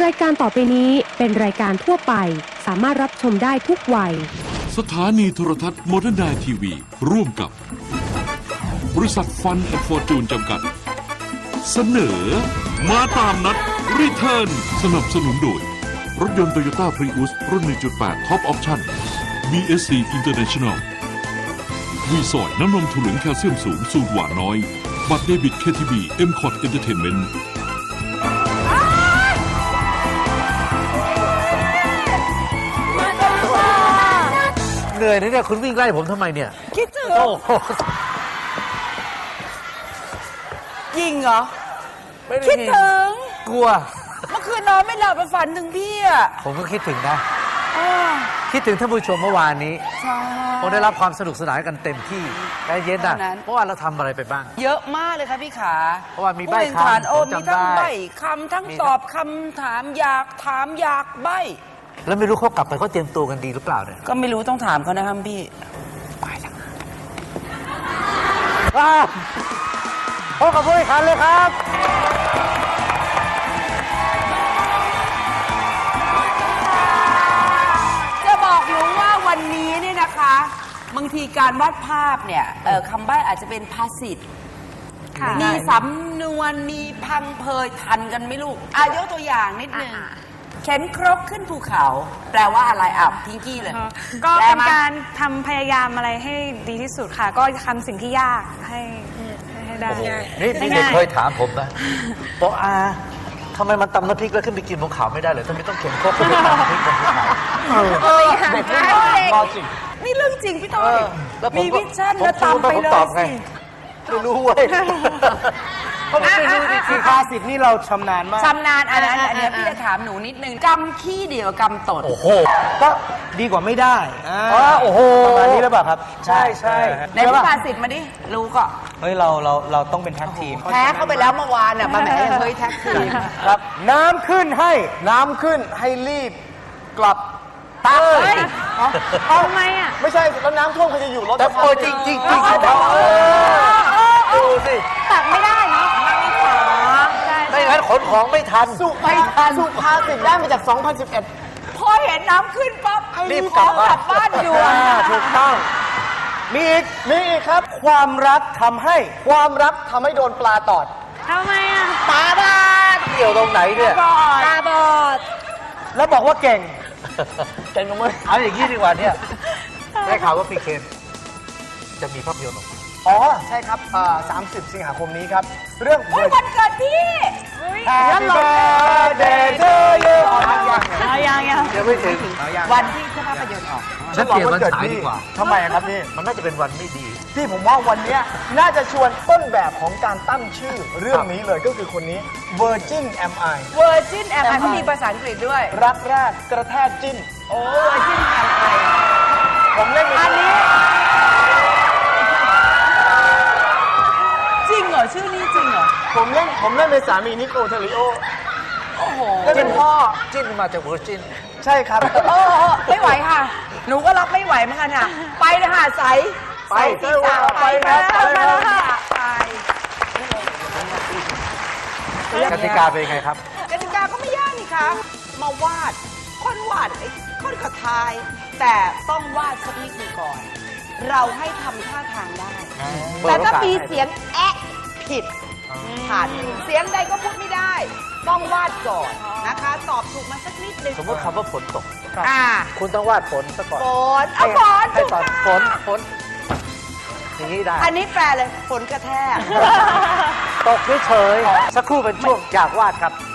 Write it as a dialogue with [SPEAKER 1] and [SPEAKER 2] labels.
[SPEAKER 1] ายการต่อไปนี้เป็นรายการทั่วไปสามารถรับชมได้ทุกวัย
[SPEAKER 2] สถานีโทรทัศน์โมเดิร์นไนทีวีร่วมกับบริษัทฟันแอนด์ฟอร์จูนจำกัดเสนอมาตามนัดรีเทิร์นสนับสนุนโดยรถยนต์โตโยต้าพรีอุสรุ่น 1.8 Top Option BSC International วีสอยน้ำนมถั่วเหลืองแคลเซียมสูงสูตรหวานน้อยบัตรเดบิต KTB M-Cot Entertainment
[SPEAKER 3] เหนื่อยนะเนี่ยคุณวิ่งไล่ผมทำไมเนี่ย
[SPEAKER 4] คิดถึง
[SPEAKER 3] โอ้โห
[SPEAKER 4] ยิงเหรอ
[SPEAKER 3] ไม่ได้
[SPEAKER 4] คิดถึง
[SPEAKER 3] กลัว
[SPEAKER 4] เมื่อคืนนอนไม่หลับไปฝันถึงพี่อ่ะ
[SPEAKER 3] ผมก็คิดถึงนะคิดถึงท่านผู้ชมเมื่อวานนี้
[SPEAKER 4] ใช่
[SPEAKER 3] คงได้รับความสนุกสนานกันเต็มที่ใจเย็นนะเพราะว่าเราทำอะไรไปบ้าง
[SPEAKER 4] เยอะมากเลยค่ะพี่ขา
[SPEAKER 3] เพราะว่ามีใบ้คำ
[SPEAKER 4] โอ้
[SPEAKER 3] ผม
[SPEAKER 4] มี
[SPEAKER 3] จำ
[SPEAKER 4] ทั้ง
[SPEAKER 3] ได้
[SPEAKER 4] ใบ้คำทั้งตอบคำถามอยากถามอยากใบ้
[SPEAKER 3] แล้วไม่รู้เขากลับไปเขาเตรียมตัวกันดีหรือเปล่าเนี่ย
[SPEAKER 4] ก็ไม่รู้ต้องถามเขานะครับพี่ไปละ
[SPEAKER 3] พบกับผู้แข่งขันเลยครับ
[SPEAKER 4] จะบอกหนูว่าวันนี้เนี่ยนะคะบางทีการวาดภาพเนี่ยคำใบ้อาจจะเป็นภาษิตมีสำนวนมีพังเพยทันกันไหมลูกยกตัวอย่างนิดนึงเข็นครกขึ้นภูเขาแปลว่าอะไรพิงกี้เลย
[SPEAKER 5] ก็เป็นการทำพยายามอะไรให้ดีที่สุดค่ะ ก็ทำสิ่งที่ยากให้ได้
[SPEAKER 3] นี่เด็กเคยถามผมนะบอกทำไมมันตำน้ำพริกแล้วขึ้นไปกินบนเขาไม่ได้เลยทำไมต้องเข็นครกขึ้นไปตำน้ำพริกบนภูเขาเด็กรอจริง
[SPEAKER 4] นี่เรื่องจริงพี่ต้อยมีวิชั่นแล้วตามไปเลยสิ
[SPEAKER 3] ไม่รู้เว้ย
[SPEAKER 6] เพราะไม่รู้คือภาษิตนี่เราชำนาญมาก
[SPEAKER 4] ชำนาญอันนี้พี่จะถามหนูนิดนึงกำขี้เดียวกำตด
[SPEAKER 3] โอ้โห
[SPEAKER 6] ก็ดีกว่าไม่ได้
[SPEAKER 3] โอ้โห
[SPEAKER 6] ประมาณนี้หรือเปล่าครับใช่
[SPEAKER 4] ในพิพาสิทธิ์มาดิรู้ก็
[SPEAKER 6] เฮ้ยเราต้องเป็นแท็กทีม
[SPEAKER 4] แพ้เข้าไปแล้วเมื่อวานน่ะมาแหมเฮ้ยแท็กทีม
[SPEAKER 6] ครับน้ำขึ้นให้รีบกลับ
[SPEAKER 5] ทำไม
[SPEAKER 6] ไม่ใช่แล้วน้ำท่วมใครจะอยู่รถ
[SPEAKER 3] แต่โอ้จริงดูสิ
[SPEAKER 5] ตักไม่ได้เนาะ
[SPEAKER 3] ไม่งั้นขนของไม่ทัน
[SPEAKER 6] สุภาษิตได้มาจาก 2011
[SPEAKER 4] พอเห็นน้ำขึ้นปั๊บ
[SPEAKER 3] รีบกลับ
[SPEAKER 4] บ้านด่วน
[SPEAKER 6] ถูกต้องมีอีกครับความรักทำให้โดนปลาตอด
[SPEAKER 5] ทำไม
[SPEAKER 3] ปลาบ้าเกี่ยวตรงไหนเนี่ย
[SPEAKER 5] ตาบอด
[SPEAKER 6] แล้วบอกว่าเก่ง
[SPEAKER 3] ลงมาเอาอย่างนี้ดีกว่าเนี่ยได้ข่าวว่าพี่เคนจะมีภาพยนตร์ออกมา
[SPEAKER 6] ใช่ครับ30 สิงหาคมนี้ครับเรื่อง
[SPEAKER 4] วันเกิดพี่
[SPEAKER 6] Happy birthday to you
[SPEAKER 3] ยังไม่ถึง
[SPEAKER 4] วันที่ภาพยนตร์ออก
[SPEAKER 3] ฉันเปลี่ยนวันฉายดีกว่า
[SPEAKER 6] ทำไมครับพี่
[SPEAKER 3] มันน่าจะเป็นวันไม่ดี
[SPEAKER 6] พี่ผมว่าวันนี้น่าจะชวนต้นแบบของการตั้งชื่อเรื่องนี้เลยก็คือคนนี้ Virgin Am I
[SPEAKER 4] เขามีภาษาอังกฤษด้วย
[SPEAKER 6] รักแรกกระแทกจิ้น
[SPEAKER 4] Virgin Am I
[SPEAKER 6] ผมเล่น
[SPEAKER 4] อันนี้จริงเหรอชื่อนี้จริงเหรอ
[SPEAKER 6] ผมเล่นเป็นสามีนิโคลเทริโอ
[SPEAKER 4] โอ้โห
[SPEAKER 6] เล่นเป็นพ่อ
[SPEAKER 3] จิ้นมาจาก Virgin
[SPEAKER 6] ใช่ครับ
[SPEAKER 4] ไม่ไหวค่ะหนูก็รับไม่ไหวเหมือนกันค่ะไปเลยค่ะใสที่สาวไปค่ะ
[SPEAKER 3] กติกาเป็นไงครับ
[SPEAKER 4] กติกาก็ไม่ยากนี่ครับมาวาดค้นวาดค้นกระทายแต่ต้องวาดสักนิดนึงก่อนเราให้ทำท่าทางได้แต่ถ้ามีเสียงแอะผิดผ่านเสียงใดก็พูดไม่ได้ต้องวาดก่อนนะคะตอบถูกมาสักนิดนึง
[SPEAKER 3] สมมติคำว่าฝนตกคุณต้องวาดฝนซะก่อน
[SPEAKER 4] ฝน
[SPEAKER 3] ให้ตอนฝนอย่างนี้ได้
[SPEAKER 4] อันนี้แปลเลยฝนกระแทก
[SPEAKER 3] ตกเฉยๆสักครู่เป็นช่วงอยากวาดครับ